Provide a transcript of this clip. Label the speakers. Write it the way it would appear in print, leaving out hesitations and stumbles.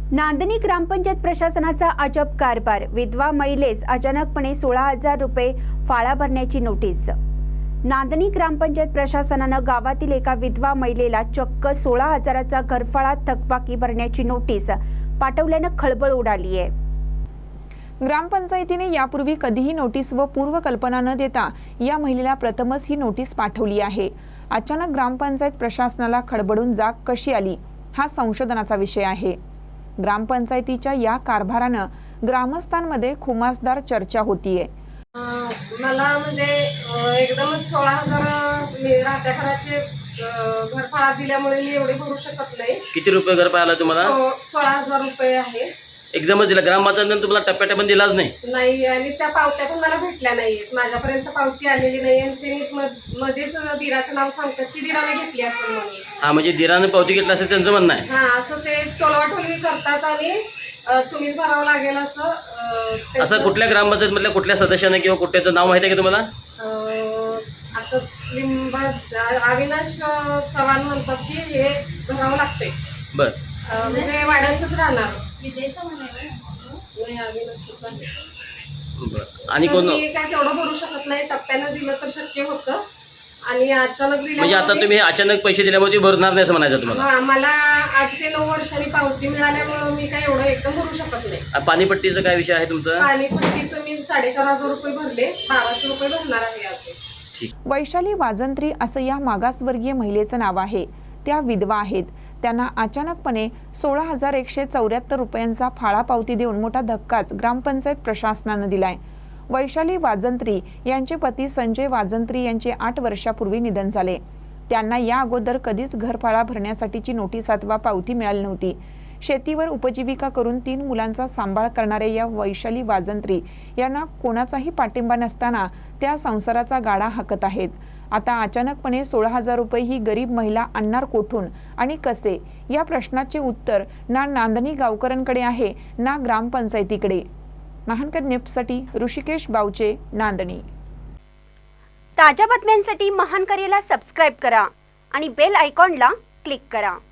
Speaker 1: नांदणी ग्रामपंचायत प्रशासनाचा अजब कारभार। विधवा महिलेस अचानकपणे 16,000 रुपये फाळा भरण्याची नोटीस। नांदणी ग्रामपंचायत प्रशासनानं गावातील एका विधवा महिलेला चक्क 16,000चा घरफाळा थकबाकी भरण्याची नोटीस पाठवल्यानं खळबळ उडाली आहे।
Speaker 2: ग्रामपंचायतीने यापूर्वी कधीही नोटीस व पूर्वकल्पना न देता या महिलेला प्रथमच ही नोटीस पाठवली आहे। अचानक ग्रामपंचायत प्रशासनाला खडबडून जाग कशी आली हा संशोधनाचा विषय आहे। ग्रामपंचायतीच्या या कारभारानं ग्रामस्थांमध्ये खुमासदार चर्चा होतीये।
Speaker 3: मला म्हणजे एकदमच 16,000 राहत्या घराचे घरफाळा दिल्यामुळे मी एवढे भरू शकत नाही।
Speaker 4: किती रुपये घरफाळा तुम्हाला?
Speaker 3: 16,000 रुपये आहे।
Speaker 4: एकदमच दिला? ग्रामपंचायतीने तुम्हाला टप्प्याटप्प्याने दिलाच
Speaker 3: नाही आणि त्या पावत्या पण मला भेटल्या नाहीयेत। माझ्यापर्यंत पावती आलेली नाही आणि ते मध्येच दिराचं नाव सांगतात की दिराने घेतली असेल म्हणून।
Speaker 4: हा, म्हणजे दिराने पावती घेतली असेल त्यांचं म्हणणं आहे।
Speaker 3: हा, असं ते टोलवाटोलवी करतात आणि तुम्हीच भरावं लागेल असं
Speaker 4: कुठल्या ग्रामपंचायतमधल्या कुठल्या सदस्याने किंवा कुठल्याचं नाव माहिती आहे का तुम्हाला?
Speaker 3: आता अविनाश चव्हाण म्हणतात की हे भरावं लागते।
Speaker 4: बर,
Speaker 3: म्हणजे वाड्यांतच राहणार विजयचा नाही अविनाशचा।
Speaker 4: बर, आणि कोण?
Speaker 3: मी काय तेवढं भरू शकत नाही। टप्प्यानं दिलं तर शक्य होतं आणि अचानक दिलं
Speaker 4: म्हणजे आता तुम्ही अचानक पैसे दिल्यामुळे ती भरणार नाही असं म्हणायचं तुम्हाला?
Speaker 3: मला 8 ते 9 वर्षांनी पावती मिळाल्यामुळे मी काय एवढं एकदम भरू शकत नाही।
Speaker 4: पाणीपट्टीचा काय विषय आहे तुमचा?
Speaker 3: पाणीपट्टीचं मी 4,500 रुपये भरले, 1,200 रुपये भरणार आहे अजून।
Speaker 2: वैशाली वाजंत्री असं या मागासवर्गीय महिलेचं नाव आहे। त्या विधवा आहेत। त्यांना अचानकपणे 16,174 रुपयांचा फाळा पावती देऊन मोठा धक्काच ग्रामपंचायत प्रशासनानं दिलाय। वैशाली वाजंत्री यांचे पती संजय वाजंत्री यांचे 8 वर्षापूर्वी निधन झाले। त्यांना या अगोदर कधीच घरफाळा भरण्यासाठीची नोटीस अथवा पावती मिळाली नव्हती। शेतीवर उपजीविका करून 3 मुलांचा सांभाळ करणाऱ्या या वैशाली वाजंत्री यांना कोणाचाही पाठिंबा नसताना त्या संसाराचा गाडा हाकत आहेत। आता अचानकपणे 16,000 रुपये ही गरीब महिला आणणार कोठून आणि कसे, या प्रश्नाचे उत्तर ना नांदणी गावकऱ्यांकडे आहे ना ग्रामपंचायतीकडे। महानकर न्यूजसाठी ऋषिकेश बावचे, नांदणी।
Speaker 1: ताज्या बातम्यांसाठी महानकरेला सबस्क्राइब करा आणि बेल आयकॉनला क्लिक करा।